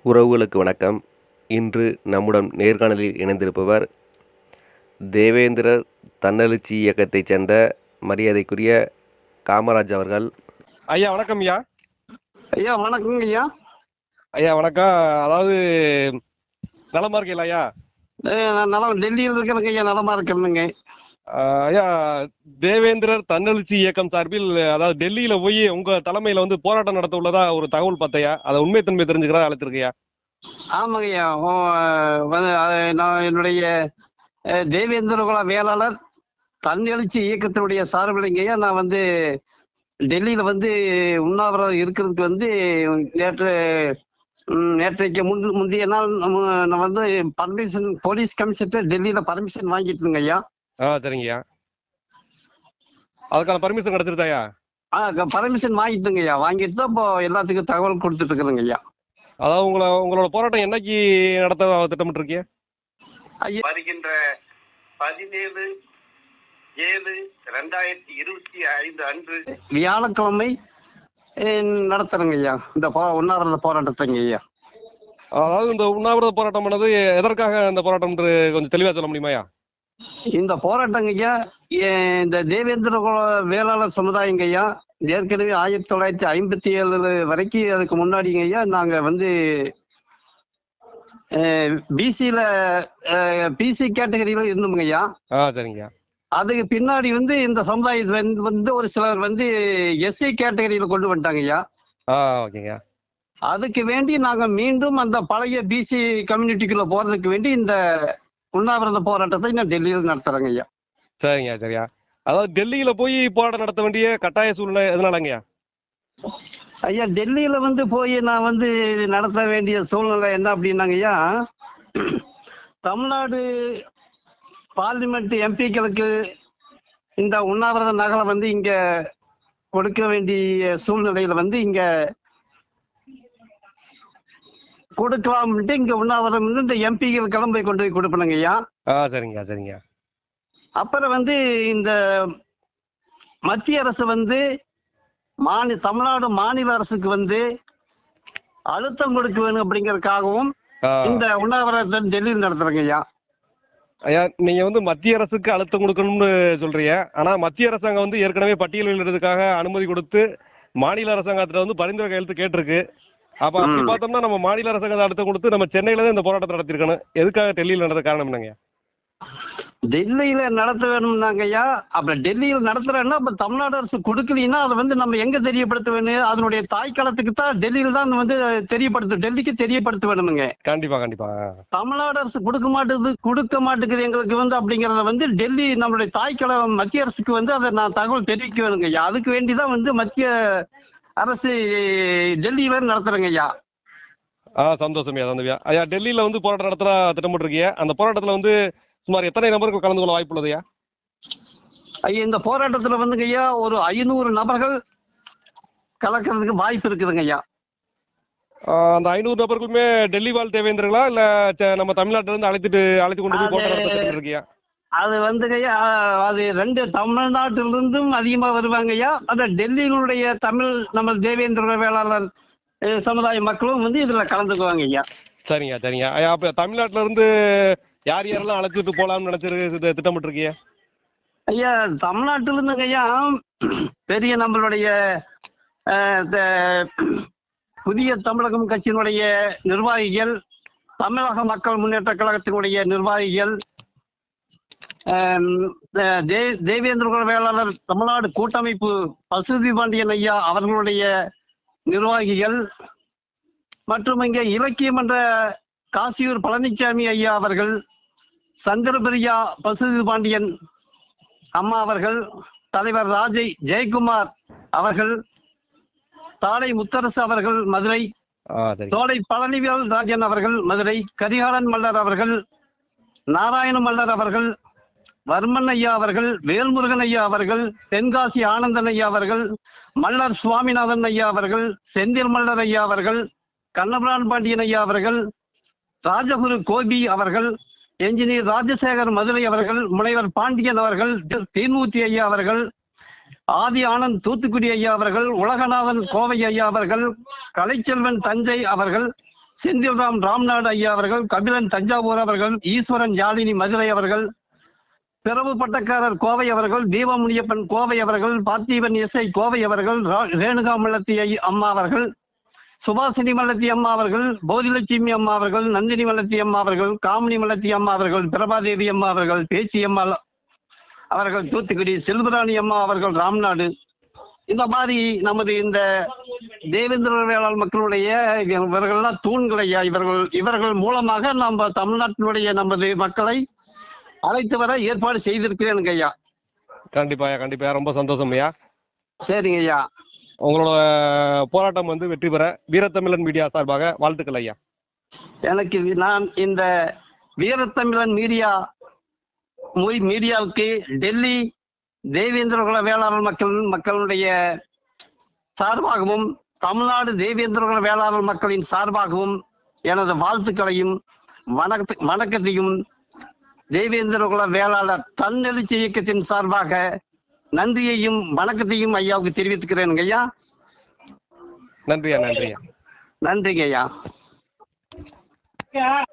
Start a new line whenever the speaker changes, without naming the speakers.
உறவுகளுக்கு வணக்கம். இன்று நம்முடன் நேர்காணலில் இணைந்திருப்பவர் தேவேந்திரர் தன்னெழுச்சி இயக்கத்தைச் சேர்ந்த மரியாதைக்குரிய காமராஜ் அவர்கள்.
ஐயா வணக்கம். ஐயா
ஐயா வணக்கங்க ஐயா.
ஐயா வணக்கம். அதாவது நலமா இருக்கீங்களா ஐயா?
நான் நலம், டெல்லியில் இருக்கிறேங்க ஐயா. நலமா இருக்கிறேங்க
ஐயா. தேவேந்திரர் தன்னெழுச்சி இயக்கம் சார்பில் அதாவது டெல்லியில போய் உங்க தலைமையில போராட்டம் நடத்த உள்ளதா ஒரு தகவல் பார்த்தையா, அதை உண்மைத்தன்மை தெரிஞ்சுக்கிறதா அழைச்சிருக்கையா?
ஆமாங்க ஐயா. நான் என்னுடைய தேவேந்திர குல வேளாளர் தன்னெழுச்சி இயக்கத்தினுடைய சார்பிலைங்க ஐயா. நான் டெல்லியில உண்ணாவிரதம் இருக்கிறதுக்கு நேற்றைக்கு முந்தைய நாள் நான் பர்மிஷன் போலீஸ் கமிஷனர் டெல்லியில பர்மிஷன் வாங்கிட்டுங்க ஐயா.
சரிங்கய்யா. அதுக்கான பர்மிஷன் கிடைச்சிருந்தாயா?
பர்மிஷன் வாங்கிட்டுங்க ஐயா. வாங்கிட்டு தான் இப்போ எல்லாத்துக்கும் தகவல் கொடுத்துட்டு இருக்கிறேங்க ஐயா.
அதாவது உங்களோட போராட்டம் என்னைக்கு நடத்த திட்டமிட்டு இருக்கீங்க?
வருகின்ற 17/7/2025 அன்று
வியாழக்கிழமை நடத்துறேங்க ஐயா இந்த உண்ணாவிரத போராட்டத்தைங்க ஐயா.
அதாவது இந்த உண்ணாவிரத போராட்டம் பண்ணது எதற்காக இந்த போராட்டம் கொஞ்சம் தெளிவா சொல்ல முடியுமாயா?
இந்த போராட்டங்க ஐயா, இந்த தேவேந்திர குல வேளாளர் சமுதாயங்க ஐயா, ஏற்கனவே 1957 வரைக்கும் அதுக்கு முன்னாடிங்க ஐயா நாங்க பிசில பிசி கேட்டகரியில இருந்தோம்ங்க ஐயா.
சரிங்க.
அதுக்கு பின்னாடி இந்த சமுதாயத்தை ஒரு சிலர் எஸ்சி கேட்டகரியில கொண்டு வந்துட்டாங்க ஐயா.
ஓகேங்க.
அதுக்கு வேண்டி நாங்க மீண்டும் அந்த பழைய பிசி கம்யூனிட்டிக்குள்ள போறதுக்கு வேண்டி இந்த உண்ணாவிரத போராட்டத்தை நான் டெல்லியில் நடத்துறேங்க ஐயா.
சரிங்க. சரியா. அதாவது டெல்லியில போய் போராட்டம் நடத்த வேண்டிய கட்டாய சூழ்நிலை எதனாலங்கய்யா?
ஐயா டெல்லியில போய் நான் நடத்த வேண்டிய சூழ்நிலை என்ன அப்படின்னாங்க ஐயா, தமிழ்நாடு பார்லிமெண்ட் எம்பிக்களுக்கு இந்த உண்ணாவிரத நகலை இங்க கொடுக்க வேண்டிய சூழ்நிலையில இங்க கொடுக்கலாம்ட்டு இங்க உண்ணாவிரதம் இந்த எம்பிக்கள் கிளம்பி கொண்டு போய் கொடுப்பணுங்க ஐயா.
சரிங்க. சரிங்க.
அப்புறம் இந்த மத்திய அரசு தமிழ்நாடு மாநில அரசுக்கு அழுத்தம் கொடுக்க வேணும் அப்படிங்கறதுக்காகவும் இந்த உண்ணாவிரதத்தை டெல்லியில் நடத்துறேங்க ஐயா.
ஐயா நீங்க மத்திய அரசுக்கு அழுத்தம் கொடுக்கணும்னு சொல்றீங்க. ஆனா மத்திய அரசாங்கம் ஏற்கனவே பட்டியலிடுறதுக்காக அனுமதி கொடுத்து மாநில அரசாங்கத்துல பரிந்துரை கையெழுத்து கேட்டிருக்கு. அப்ப அப்படி பார்த்தோம்னா நம்ம மாநில அரசாங்கத்தை அழுத்தம் கொடுத்து நம்ம சென்னையில தான் இந்த போராட்டத்தை நடத்திருக்கணும். எதுக்காக டெல்லியில் நடந்த காரணம் என்னங்க?
டெல்லியில நடத்த வேணும்னாங்க ஐயா. அப்ப டெல்லியில் நடத்துறேன்னா அப்ப தமிழ்நாடு அரசு கொடுக்கலீங்கன்னா அதை நம்ம எங்க தெரியப்படுத்த வேணும்? அதனுடைய தாய்க்களத்துக்கு தான் டெல்லியில் தான் டெல்லிக்கு தெரியப்படுத்த வேணுமுங்க.
கண்டிப்பா கண்டிப்பா.
தமிழ்நாடு அரசு கொடுக்க மாட்டேங்குது எங்களுக்கு அப்படிங்கறத டெல்லி நம்மளுடைய தாய்க்களம் மத்திய அரசுக்கு அதை நான் தகவல் தெரிவிக்க வேணுங்க ஐயா. அதுக்கு வேண்டிதான் மத்திய அரசு டெல்லியில நடத்துறேங்க ஐயா.
சந்தோஷமையா சந்தோஷம். ஐயா டெல்லியில போராட்டம் நடத்துற திட்டமிட்டு இருக்கீங்க. அந்த போராட்டத்துல சுமார் எத்தனை நபர்கள் கலந்து கொள்ள வாய்ப்பு உள்ளது ஐயா?
ஐயா இந்த போராட்டத்துல ஐயா ஒரு 500 நபர்கள் கலக்கிறதுக்கு வாய்ப்பு இருக்குதுங்க ஐயா.
அந்த 500 நபர்களுமே டெல்லி வாழ் தேவேந்திரங்களா இல்ல நம்ம தமிழ்நாட்டுல இருந்து அழைத்து கொண்டு போய் போராட்டம் நடத்த இருக்கியா?
அது ஐயா அது 2 தமிழ்நாட்டிலிருந்தும் அதிகமா வருவாங்க ஐயா. அந்த டெல்லியினுடைய நம்ம தேவேந்திர வேளாளர் சமுதாய மக்களும் இதுல கலந்துக்குவாங்க ஐயா.
சரிங்க. சரிங்க. ஐயா அப்ப தமிழ்நாட்டுல இருந்து யார் யாரெல்லாம் அழைச்சிட்டு போலாம்னு நினைச்சிருக்கு திட்டமிட்டு இருக்கீங்க?
ஐயா தமிழ்நாட்டில இருந்துங்க ஐயா பெரிய நம்மளுடைய புதிய தமிழகம் கட்சியினுடைய நிர்வாகிகள், தமிழக மக்கள் முன்னேற்ற கழகத்தினுடைய நிர்வாகிகள், தேவேந்திர குல வேளாளர் தமிழ்நாடு கூட்டமைப்பு பசுதி பாண்டியன் ஐயா அவர்களுடைய நிர்வாகிகள் மற்றும் இங்கே இலக்கியம் என்ற காசியூர் பழனிசாமி ஐயா அவர்கள், சந்திரபிரியா பசுதி பாண்டியன் அம்மா அவர்கள், தலைவர் ராஜை ஜெயக்குமார் அவர்கள், தாடை முத்தரசு அவர்கள் மதுரை, தோடை பழனிவேல் ராஜன் அவர்கள் மதுரை, கரிகாலன் மல்லர் அவர்கள், நாராயண மல்லர் அவர்கள், வர்மன் ஐயா அவர்கள், வேல்முருகன் ஐயா அவர்கள், தென்காசி ஆனந்தன் ஐயா அவர்கள், மல்லர் சுவாமிநாதன் ஐயா அவர்கள், செந்தில் மல்லர் ஐயா அவர்கள், கண்ணபிரான் பாண்டியன் ஐயா அவர்கள், ராஜகுரு கோபி அவர்கள், என்ஜினியர் ராஜசேகர் மதுரை அவர்கள், முனைவர் பாண்டியன் அவர்கள், தீன்மூர்த்தி ஐயா அவர்கள், ஆதி ஆனந்த் தூத்துக்குடி ஐயா அவர்கள், உலகநாதன் கோவை ஐயா அவர்கள், கலைச்செல்வன் தஞ்சை அவர்கள், செந்தில்ராம் ராம்நாடு ஐயா அவர்கள், கபிலன் தஞ்சாவூர் அவர்கள், ஈஸ்வரன் ஜாலினி மதுரை அவர்கள், பிறவு பட்டக்காரர் கோவை அவர்கள், தீபமுனியப்பன் கோவை அவர்கள், பார்த்திபன் இசை கோவை அவர்கள், ரேணுகா மல்லத்தி அம்மா அவர்கள், சுபாசினி மல்லத்தி அம்மா அவர்கள், போதிலட்சுமி அம்மா அவர்கள், நந்தினி மல்லத்தி அம்மா அவர்கள், காமினி மல்லத்தி அம்மா அவர்கள், பிரபாதேவி அம்மா அவர்கள், பேச்சி அம்மா அவர்கள் தூத்துக்குடி, செல்வராணி அம்மா அவர்கள் ராம்நாடு. இந்த மாதிரி நமது இந்த தேவேந்திர வேளாண் மக்களுடைய இவர்கள்லாம் தூண்களையா, இவர்கள் மூலமாக நம்ம தமிழ்நாட்டினுடைய நமது மக்களை அழைத்து வர ஏற்பாடு செய்திருக்கிறேனுங்க ஐயா.
கண்டிப்பா கண்டிப்பா, ரொம்ப சந்தோஷம் ஐயா.
சரிங்க ஐயா.
உங்களோட போராட்டம் வந்து வெற்றி பெற வீரத்தமிழன் மீடியா சார்பாக வாழ்த்துக்கள் ஐயா.
எனக்கு நான் இந்த வீரத்தமிழன் மீடியாவுக்கு டெல்லி தேவேந்திரகுல வேளாளர் மக்களுடைய சார்பாகவும் தமிழ்நாடு தேவேந்திரகுல வேளாளர் மக்களின் சார்பாகவும் எனது வாழ்த்துக்களையும் வணக்கத்தையும் தேவேந்திரகுல வேளாளர் தன்னெழுச்சி இயக்கத்தின் சார்பாக நன்றியையும் வணக்கத்தையும் ஐயாவுக்கு தெரிவித்துக்கிறேன் ஐயா.
நன்றியா.
நன்றிங்க ஐயா.